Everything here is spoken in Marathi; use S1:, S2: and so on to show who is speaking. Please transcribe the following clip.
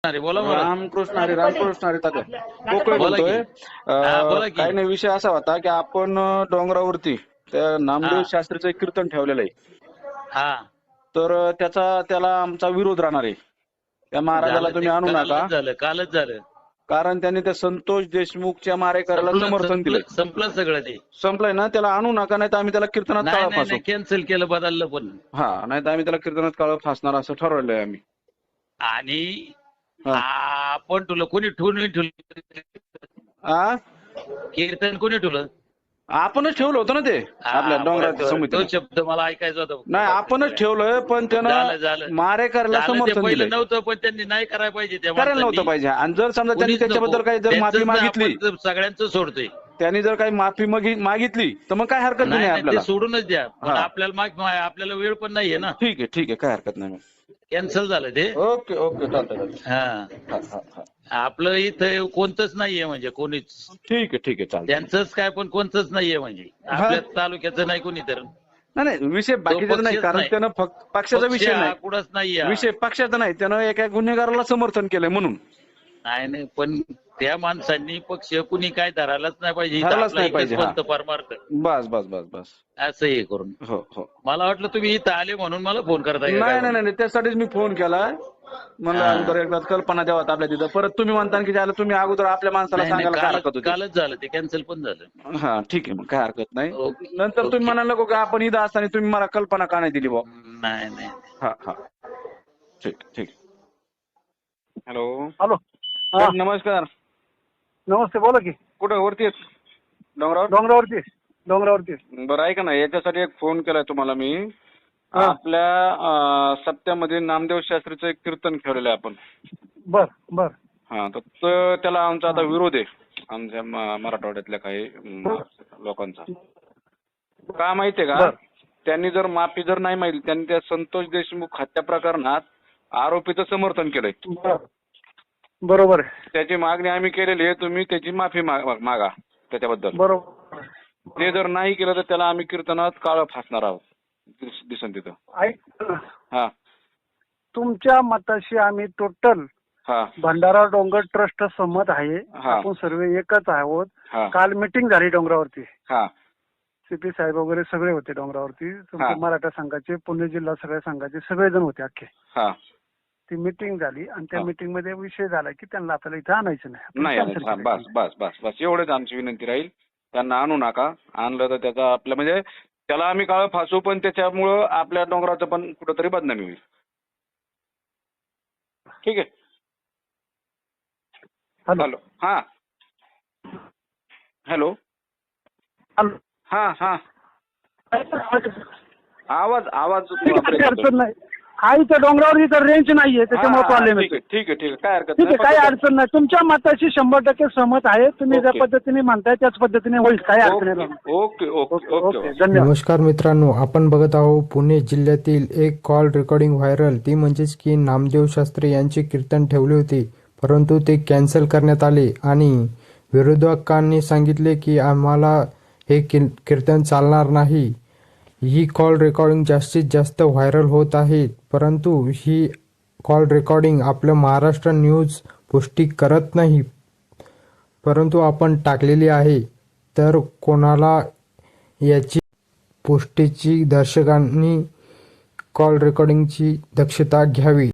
S1: अरे बोला बोला
S2: रामकृष्ण हरी रामकृष्ण हरी तात्या पोकळे
S1: बोला की.
S2: बोलतोय.
S1: बोला की.
S2: काही नाही, विषय असा होता की आपण डोंगरावरती त्या नामदेव शास्त्रीचं एक कीर्तन ठेवलेलं आहे.
S1: हा
S2: तर त्याला आमचा विरोध राहणार आहे. त्या महाराजाला
S1: झालं ते
S2: तुम्ही आणू नका,
S1: कालच झालं
S2: कारण त्यांनी त्या संतोष देशमुखच्या मारेकऱ्याला समर्थन दिलंय.
S1: संपलं सगळं ते.
S2: संपलंय ना, त्याला आणू नका, नाही तर आम्ही त्याला कीर्तनात काळं फासू.
S1: नाही कॅन्सल केलं, बदललं पण.
S2: हा, नाही तर आम्ही त्याला कीर्तनात काळं फासणार असं ठरवलंय आम्ही.
S1: आणि
S2: हा.
S1: आपण तुला कोणी ठेवलं कीर्तन कोणी ठेवलं?
S2: आपणच ठेवलं होतं ना ते आपल्या डोंगराच्या
S1: तो
S2: समितीला.
S1: शब्द मला ऐकायचा होता.
S2: नाही, आपणच ठेवलंय, पण त्यानं
S1: झालं.
S2: मारेकऱ्याला समर्थन दिलंय.
S1: नव्हतं, पण त्यांनी नाही करायला पाहिजे.
S2: करायला नव्हतं पाहिजे. आणि जर समजा त्यांनी त्याच्याबद्दल काही जर माफी मागितली,
S1: सगळ्यांचं सोडतोय.
S2: त्यांनी जर काही माफी मागितली तर मग काय हरकत नाही आपल्याला.
S1: ते सोडूनच द्या. पण आपल्याला वेळ पण नाहीये ना.
S2: ठीक आहे, काय हरकत नाही.
S1: कॅन्सल झालं ते.
S2: ओके चालतंय.
S1: हा, आपलं इथं कोणतंच नाहीये, म्हणजे कोणीच.
S2: ठीक आहे चालतंय.
S1: त्यांचंच काय, पण कोणतंच नाहीये, म्हणजे आपल्या तालुक्याचं नाही कोणी तर.
S2: नाही, विषय बाकीचा नाही, कारण त्यानं फक्त पक्षाचा विषय नाही,
S1: कुठंच नाहीये
S2: विषय पक्षाचा नाही, त्यानं एका गुन्हेगाराला समर्थन केलंय म्हणून.
S1: नाही, पण त्या माणसांनी पक्ष कुणी काय धरायलाच नाही पाहिजे.
S2: धरायलाच नाही पाहिजे.
S1: परमार्थ
S2: बस
S1: असं हे करून.
S2: हो.
S1: मला वाटलं तुम्ही इथं आले म्हणून मला फोन करताय.
S2: नाही, त्यासाठीच मी फोन केला. म्हणलं अगोदर एकदा कल्पना द्यावात आपल्या तिथं. परत तुम्ही म्हणता की ज्याला तुम्ही अगोदर आपल्या माणसाला सांगायला काय हरकत होती.
S1: कालच झालं ते, कॅन्सल पण झालं.
S2: हा, ठीक आहे, मग काय हरकत नाही. नंतर तुम्ही म्हणाल नको का आपण इथं असताना तुम्ही मला कल्पना का नाही दिली बा.
S1: नाही.
S2: हा, ठीक. हॅलो. नमस्कार.
S3: नमस्ते, बोला की.
S2: कुठं वरती आहेत?
S3: डोंगरावरती.
S2: बरं, ऐका ना, याच्यासाठी एक फोन केलाय तुम्हाला मी. आपल्या सप्त्यामध्ये नामदेव शास्त्रीचं एक कीर्तन ठेवलेलं आहे आपण.
S3: बर.
S2: हा, तर त्याला आमचा आता विरोध आहे, आमच्या मराठवाड्यातल्या काही लोकांचा. का माहितीये का? त्यांनी जर माफी जर नाही मागितली, त्यांनी त्या संतोष देशमुख हत्या प्रकरणात आरोपीचं समर्थन केलंय.
S3: बरोबर.
S2: त्याची मागणी आम्ही केलेली आहे. तुम्ही त्याची माफी मागा त्याच्याबद्दल.
S3: बरोबर.
S2: ते जर नाही केलं तर त्याला आम्ही कीर्तनात काळं फासणार आहोत. दिसन तिथं.
S3: ऐक,
S2: हा,
S3: तुमच्या मताशी आम्ही टोटल भंडारा डोंगर ट्रस्ट सहमत आहे. आपण सर्व एकच आहोत. काल मीटिंग झाली डोंगरावरती. सीपी साहेब वगैरे सगळे होते डोंगरावरती. मराठा संघाचे, पुणे जिल्हा सगळ्या संघाचे सगळेजण होते अख्खे. ती मीटिंग झाली आणि त्या मीटिंग मध्ये विषय झाला की त्यांना आपल्याला इथं आणायचं नाही.
S2: बस एवढंच आमची विनंती राहील. त्यांना आणू नका. आणलं तर त्याचा आपल्या म्हणजे त्याला आम्ही काळं फासू, पण त्याच्यामुळं आपल्या डोंगराचं पण कुठंतरी बदनामी होईल. ठीक आहे. हॅलो. हॅलो. हा. आवाज
S3: अडचण नाही. इथं डोंगरावरती तर रेंज नाहीये, त्याच्यामुळे प्रॉब्लेम आहे.
S2: ठीक आहे, काय हरकत
S3: ठीक आहे, काही अडचण नाही. तुमच्या मताशी 100% सहमत आहे. तुम्ही ज्या पद्धतीने म्हणताय त्याच पद्धतीने होईल, काही अडचण नाही.
S2: ओके.
S3: धन्यवाद.
S4: नमस्कार मित्रांनो, आपण बघत आहोत पुणे जिल्ह्यातील एक कॉल रेकॉर्डिंग व्हायरल. ती म्हणजेच की नामदेव शास्त्री यांचे कीर्तन ठेवले होते, परंतु ते कॅन्सल करण्यात आले आणि विरोधकांनी सांगितले की आम्हाला हे कीर्तन चालणार नाही. ही कॉल रेकॉर्डिंग जास्तीत जास्त व्हायरल होत आहे, परंतु ही कॉल रेकॉर्डिंग आपलं महाराष्ट्र न्यूज पुष्टी करत नाही, परंतु आपण टाकलेली आहे. तर कोणाला याची पुष्टीची दर्शकांनी कॉल रेकॉर्डिंगची दक्षता घ्यावी.